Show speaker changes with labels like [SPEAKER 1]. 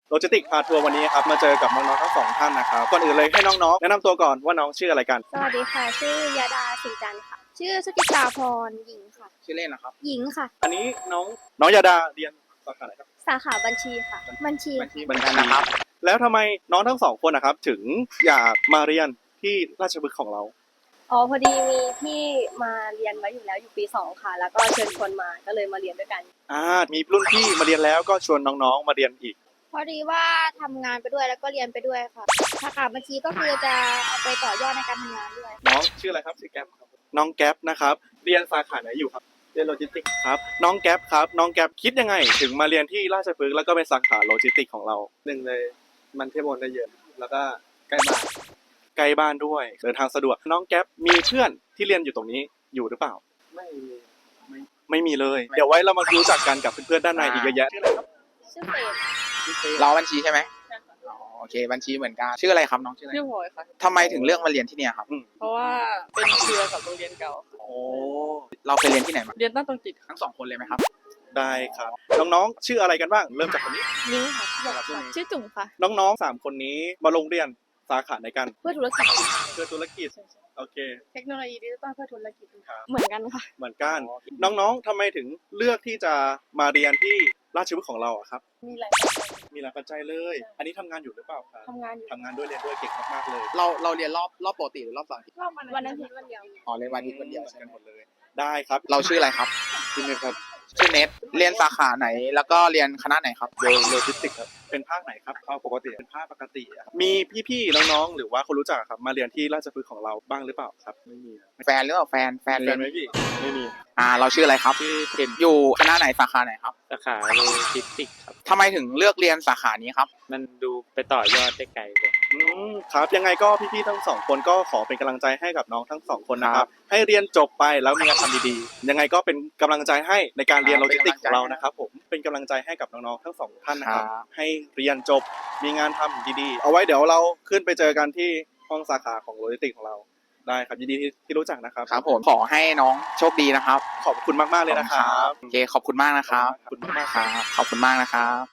[SPEAKER 1] โลจิสติกพาทัวร์วันนี้ครับมาเจอกับน้องๆทั้งสองท่านนะครับก่อนอื่นเลยให้น้องๆแนะนำตัวก่อนว่าน้องชื่ออะไรกัน
[SPEAKER 2] สวัสดีค่ะชื่อยาดาสิงจันทร์ค่ะชื่อสุจิตาพรหญิงค่ะ
[SPEAKER 3] ชื่อเล่นนะครับ
[SPEAKER 2] หญิงค่ะ
[SPEAKER 1] อันนี้น้องยาดาเรียนสาขาไหนครับ
[SPEAKER 2] สาขาบัญชีค่ะบัญชี
[SPEAKER 3] เหมือนกันนะครับ
[SPEAKER 1] แล้วทำไมน้องทั้งสองคนนะครับถึงอยากมาเรียนที่ราชพฤกษ์ของเรา
[SPEAKER 2] อ๋อพอดีมีพี่มาเรียนไว้อยู่แล้วอยู่ปี2ค่ะแล้วก็เชิญชวนมาก็เลยมาเรียนด้วยกัน
[SPEAKER 1] มีรุ่นพี่มาเรียนแล้วก็ชวนน้องๆมาเรียนอีก
[SPEAKER 2] พอดีว่าทำงานไปด้วยแล้วก็เรียนไปด้วยค่ะสาขาบัญชีก็คือจะเอาไปต่อยอดในการทำงานด้วย
[SPEAKER 1] น้องชื่ออะไรครับชื่อแก๊ปครับน้องแก๊ปนะครับเรียนสาขาไหนอยู่ครับเรียนโลจิสติกครับน้องแก๊ปครับน้องแก๊ปคิดยังไงถึงมาเรียนที่ราชพฤกษ์แล้วก็เป็นสาขาโลจิสติกของเรา
[SPEAKER 4] หนึ่งเลยมันเที่ยวบนได้เยอะแล้วก็ใกล้บ้าน
[SPEAKER 1] ใกล้บ้านด้วยเดินทางสะดวกน้องแก๊ปมีเพื่อนที่เรียนอยู่ตรงนี้อยู่หรือเปล่า
[SPEAKER 4] ไม่มี
[SPEAKER 1] ไม่มีเลยเดี๋ยวไว้เรามารู้จักกันกับเพื่อนๆด้านในอีกเยอะแยะ
[SPEAKER 2] ชื่อเฟรม
[SPEAKER 3] เราบัญชีใช่ไหมอ๋อโอเคบัญชีเหมือนกันชื่ออะไรครับน้องชื่ออะไร
[SPEAKER 5] ชื่อพลอยค่ะ
[SPEAKER 3] ทำไมถึงเลือกมาเรียนที่เนี่ยครับ
[SPEAKER 5] เพราะว่าเป็นเครือกับโรงเรียนเก่าค่ะ
[SPEAKER 1] โอ้
[SPEAKER 3] เราเคยเรียนที่ไหนมา
[SPEAKER 5] เรียนตั้งตรงจิตค่ะ
[SPEAKER 3] ทั้งสองคนเลยไหมครับ
[SPEAKER 1] ได้ครับน้องๆชื่ออะไรกันบ้างเริ่มจากคนนี้
[SPEAKER 2] นิ้งค่ะ
[SPEAKER 5] ชื่อจุ๋มค่ะ
[SPEAKER 1] น้องๆ3คนนี้มาลงเรียนสาขาในกัน
[SPEAKER 2] เพื่อธุรกิจ
[SPEAKER 1] เพื่อธุรกิจโอเค
[SPEAKER 5] เทคโนโลยีดิจิตอลเพื่อธุรกิจ
[SPEAKER 1] ครับ
[SPEAKER 5] เหมือนกันค่ะ
[SPEAKER 1] เหมือนกันน้องๆทำไมถึงเลือกที่จะมาเรียนที่ราชพฤกษ์ของเราอะครับ
[SPEAKER 5] มีหลายปัจจัย
[SPEAKER 1] มีหลายปัจจัยเลย อันนี้ทำงานอยู่หรือเปล่าครับ
[SPEAKER 5] ทำงานอยู่
[SPEAKER 1] ทำงานด้วยเรียนด้วยเก่งมากๆเลย
[SPEAKER 3] เราเรียนรอบปกติหรือรอบเสาร์อาทิตย์
[SPEAKER 5] รอบ
[SPEAKER 2] วันอาทิตย์วันเดียว
[SPEAKER 3] อ๋อเรียนวันอาทิตย์วันเดียว
[SPEAKER 1] เหมือน
[SPEAKER 3] ใช่
[SPEAKER 1] กัน
[SPEAKER 3] ไห
[SPEAKER 1] ห
[SPEAKER 3] ม
[SPEAKER 1] มดเลย ได้ครับ
[SPEAKER 3] เราชื่ออะไรครับ
[SPEAKER 4] ที่นี่ครับ
[SPEAKER 3] ชื่อเน็ตเรียนสาขาไหนแล้วก็เรียนคณะไหนครับ
[SPEAKER 1] โลจิสติกครับเป็นภาคไหนครับ
[SPEAKER 4] เอาปกติ
[SPEAKER 1] เป็นภาคปกติอะครับมีพี่ๆน้องๆหรือว่าคนรู้จักครับมาเรียนที่ราชพฤกษ์ของเราบ้างหรือเปล่าครับไม่มี
[SPEAKER 3] แฟนหรือเปล่าแฟน
[SPEAKER 1] แฟน
[SPEAKER 3] เรียน
[SPEAKER 1] ไหมพี่ไม่มี
[SPEAKER 3] เราชื่ออะไรครับ
[SPEAKER 6] ชื่อเทน
[SPEAKER 3] อยู่คณะไหนสาขาไหนครับ
[SPEAKER 6] สาขาโลจิสติกส์ครับ
[SPEAKER 3] ทำไมถึงเลือกเรียนสาขานี้ครับ
[SPEAKER 6] มันดูไปต่อยอดได้ไกลเลย
[SPEAKER 1] ครับยังไงก็พี่ๆทั้งสองคนก็ขอเป็นกำลังใจให้กับน้องทั้งสองคนนะค
[SPEAKER 3] ครั
[SPEAKER 1] รับบ ให้เรียนจบไปแล้วมีงานทำดีๆยังไงก็เป็นกำลังใจให้ในการเรียน
[SPEAKER 3] ค
[SPEAKER 1] โล
[SPEAKER 3] รับ
[SPEAKER 1] จิสติกส์ของเรา
[SPEAKER 3] เป็นกำลังใจ
[SPEAKER 1] นะครับผมเป็นกำลังใจให้กับน้องๆทั้งสองท่านนะครับ
[SPEAKER 3] ครับ
[SPEAKER 1] ให้เรียนจบมีงานทำดีๆเอาไว้เดี๋ยวเราขึ้นไปเจอกันที่ห้องสาขาของโลจิสติกส์ของเราได้ครับยินดีที่รู้จักนะครับ
[SPEAKER 3] ครับผมขอให้น้องโชคดีนะครับ
[SPEAKER 1] ขอบคุณมากๆเลยนะครับ
[SPEAKER 3] โอเคขอบคุณมากนะครับ
[SPEAKER 1] ขอบคุณมากๆ
[SPEAKER 3] ครับขอบคุณมากนะครับ